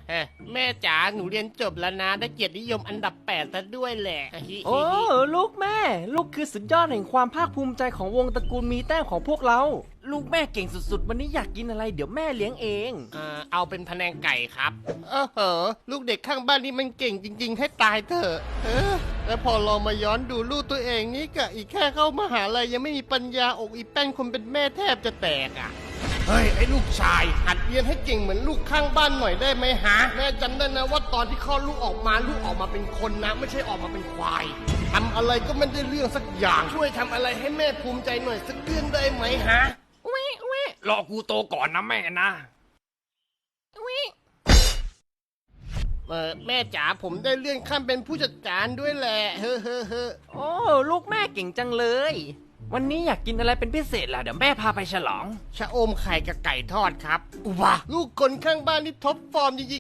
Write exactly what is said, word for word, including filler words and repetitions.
แม่จ๋าหนูเรียนจบแล้วนะได้เกียรตินิยมอันดับแปดซะด้วยแหละโอ้ลูกแม่ลูกคือสุดยอดแห่งความภาคภูมิใจของวงตระกูลมีแต้มของพวกเราลูกแม่เก่งสุดๆวันนี้อยากกินอะไรเดี๋ยวแม่เลี้ยงเองเออเอาเป็นพะแนงไก่ครับเออเหอลูกเด็กข้างบ้านนี่มันเก่งจริงๆให้ตายเถอะเออแล้วพอเรามาย้อนดูลูกตัวเองนี่กะอีกแค่เข้ามหาลัยยังไม่มีปัญญาอกอีแป้นคนเป็นแม่แทบจะแตกอ่ะเฮ้ยไอ้ลูกชายหัดเรียนให้เก่งเหมือนลูกข้างบ้านหน่อยได้ไหมฮะแม่จำได้นะว่าตอนที่คลอดลูกออกมาลูกออกมาเป็นคนนะไม่ใช่ออกมาเป็นควายทำอะไรก็ไม่ได้เรื่องสักอย่างช่วยทำอะไรให้แม่ภูมิใจหน่อยสักเรื่องได้ไหมฮะวิวิรอกูโตก่อนนะแม่นะวิเออแม่จ๋าผมได้เลื่อนขั้นเป็นผู้จัดการด้วยแหละเฮ้อเฮ้อเฮ้อโอ้ลูกแม่เก่งจังเลยวันนี้อยากกินอะไรเป็นพิเศษล่ะเดี๋ยวแม่พาไปฉลองชะอมไข่กับไก่ทอดครับว้าลูกคนข้างบ้านนี่ท็อปฟอร์มจริง